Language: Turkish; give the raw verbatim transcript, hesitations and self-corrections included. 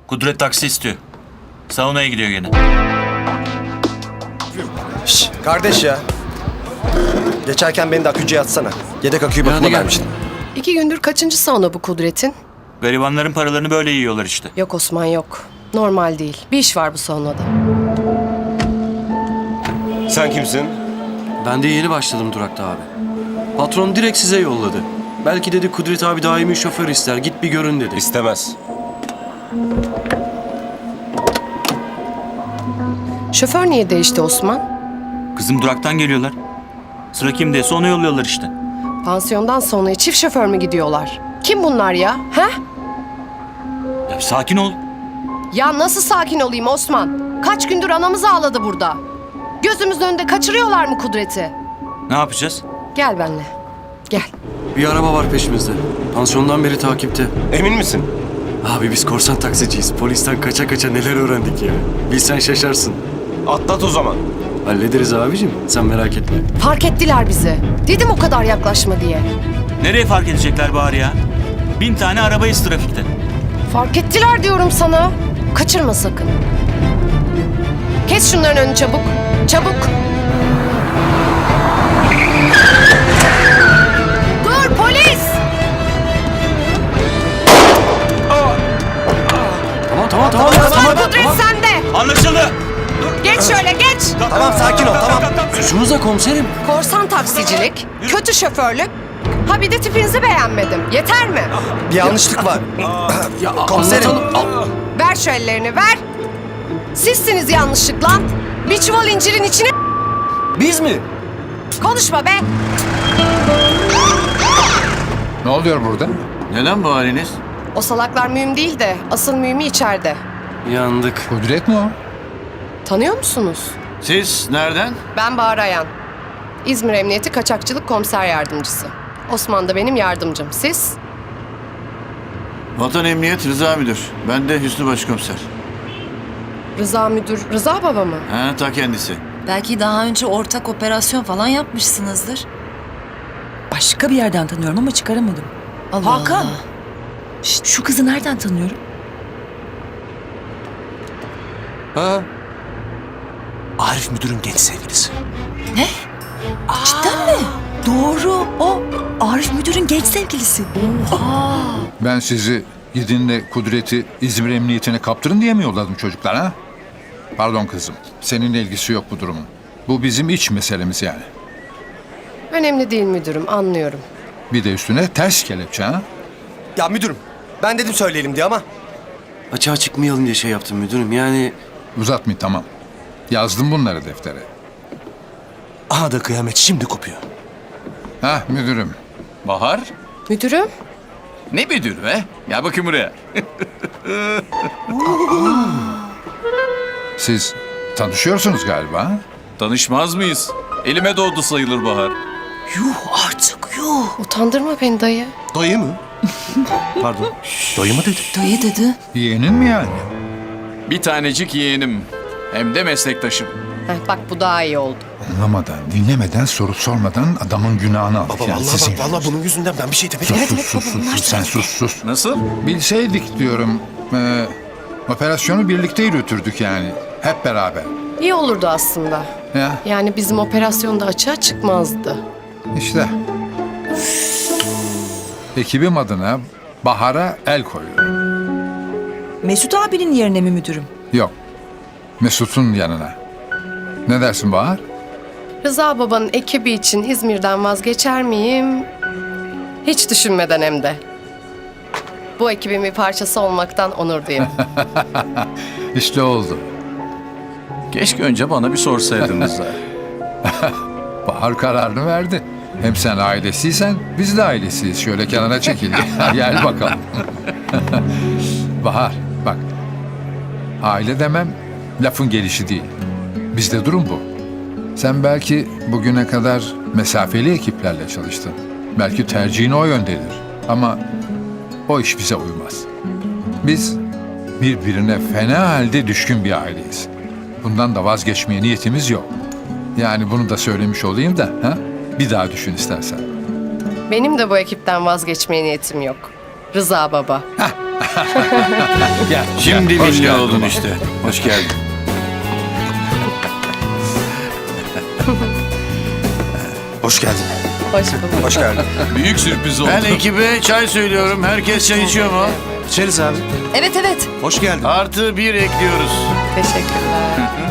Kudret taksi istiyor. Saunaya gidiyor gene. Şş, kardeş ya. Geçerken beni de akücüye atsana. Yedek aküyü bakıma vermiştim. İki gündür kaçıncı sauna bu Kudret'in? Garibanların paralarını böyle yiyorlar işte. Yok Osman yok. Normal değil. Bir iş var bu saunada. Sen kimsin? Ben de yeni başladım durakta abi. Patron direkt size yolladı. Belki dedi Kudret abi daimi şoför ister. Git bir görün dedi. İstemez. Şoför niye değişti Osman? Kızım duraktan geliyorlar. Sıra kimdeyse onu yolluyorlar işte. Pansiyondan saunaya çift şoför mü gidiyorlar? Kim bunlar ya? He? Ya bir sakin ol. Ya nasıl sakin olayım Osman? Kaç gündür anamız ağladı burada. Gözümüzün önünde kaçırıyorlar mı Kudret'i? Ne yapacağız? Gel benimle. Gel. Bir araba var peşimizde. Pansiyondan beri takipte. Emin misin? Abi biz korsan taksiciyiz. Polisten kaça kaça neler öğrendik ya. Bilsen şaşarsın. Atlat o zaman. Hallederiz abicim. Sen merak etme. Fark ettiler bizi. Dedim o kadar yaklaşma diye. Nereye fark edecekler bari ya? Bin tane arabayız trafikte. Fark ettiler diyorum sana. Kaçırma sakın. Kes şunların önünü çabuk. Çabuk. Dur polis! Tamam tamam tamam. Osman tamam, Kudret tamam. sende. Anlaşıldı. Geç şöyle geç. Tamam sakin ol tamam. Suçumuz komiserim. Korsan taksicilik, kötü şoförlük. Ha bir de tipinizi beğenmedim. Yeter mi? Bir yanlışlık var. Ya Komiserim. anlatalım. Ver şu ellerini ver. Sizsiniz yanlışlıkla. Bir çuval incirin içine Biz mi? konuşma be. Ne oluyor burada? Neden bu haliniz? O salaklar mühim değil de asıl mühimi içeride. Yandık. Kudret mi o? Tanıyor musunuz? Siz nereden? Ben Bahar Ayan. İzmir Emniyeti Kaçakçılık Komiser Yardımcısı. Osman da benim yardımcım. Siz? Vatan Emniyet Rıza Müdür. Ben de Hüsnü Başkomiser. Rıza Müdür, Rıza Baba mı? Ha, ta kendisi. Belki daha önce ortak operasyon falan yapmışsınızdır. Başka bir yerden tanıyorum ama çıkaramadım. Allah Hakan. Allah. Şşt, şu kızı nereden tanıyorum? Ha? Arif müdürün genç sevgilisi. Ne? Cidden mi? Doğru. O Arif müdürün genç sevgilisi. Oha. Ben sizi gidin de Kudret'i İzmir Emniyetine kaptırın diye mi yolladım çocuklar ha? Pardon kızım. Seninle ilgisi yok bu durumun. Bu bizim iç meselemiz yani. Önemli değil müdürüm, anlıyorum. Bir de üstüne ters kelepçe ha? Ya müdürüm ben dedim söyleyelim diye ama. Açığa çıkmayalım diye şey yaptım müdürüm. Yani Uzatmayın tamam. Yazdım bunları deftere. Aha da kıyamet şimdi kopuyor. Ha müdürüm. Bahar? Müdürüm? Ne müdür be? Gel bakayım buraya. Siz tanışıyorsunuz galiba ha? Tanışmaz mıyız? Elime doğdu sayılır Bahar. Yuh artık yuh. Utandırma beni dayı. Dayı mı? Pardon. Dayı mı dedi? Dayı dedi. Yeğenin mi yani? Bir tanecik yeğenim. Hem de meslektaşım. Heh, bak bu daha iyi oldu. Anlamadan, dinlemeden, soru sormadan adamın günahını aldık. Baba yani vallahi sizin bak vallahi bunun yüzünden ben bir şey demedim. Sus, sus, sus, sus, sus, sen sus, sus. Nasıl? Bilseydik diyorum, e, operasyonu birlikte yürütürdük yani, hep beraber. İyi olurdu aslında. Ya, Yani bizim operasyonda açığa çıkmazdı. işte. Ekibim adına Bahar'a el koyuyorum. Mesut abinin yerine mi müdürüm? Yok, Mesut'un yanına. Ne dersin Bahar? Rıza babanın ekibi için İzmir'den vazgeçer miyim? Hiç düşünmeden hem de. Bu ekibin bir parçası olmaktan onur duyarım. İşte oldu. Keşke önce bana bir sorsaydınız da. Bahar kararını verdi. Hem sen ailesiysen biz de ailesiyiz. Şöyle kenara çekil. Gel bakalım. Bahar bak. Aile demem lafın gelişi değil. Bizde durum bu. Sen belki bugüne kadar mesafeli ekiplerle çalıştın. Belki tercihin o yöndedir. Ama o iş bize uymaz. Biz birbirine fena halde düşkün bir aileyiz. Bundan da vazgeçmeye niyetimiz yok. Yani bunu da söylemiş olayım da ha? Bir daha düşün istersen. Benim de bu ekipten vazgeçmeye niyetim yok. Rıza baba. Heh, Gel. Şimdi gel. Hoş milli geldin oldun baba. işte. Hoş geldin. Hoş geldin. Hoş bulduk. Hoş geldin. Büyük sürpriz oldu. Ben ekibe çay söylüyorum. Herkes çay içiyor mu? İçeriz abi. Evet evet. Hoş geldin. Artı bir ekliyoruz. Teşekkürler.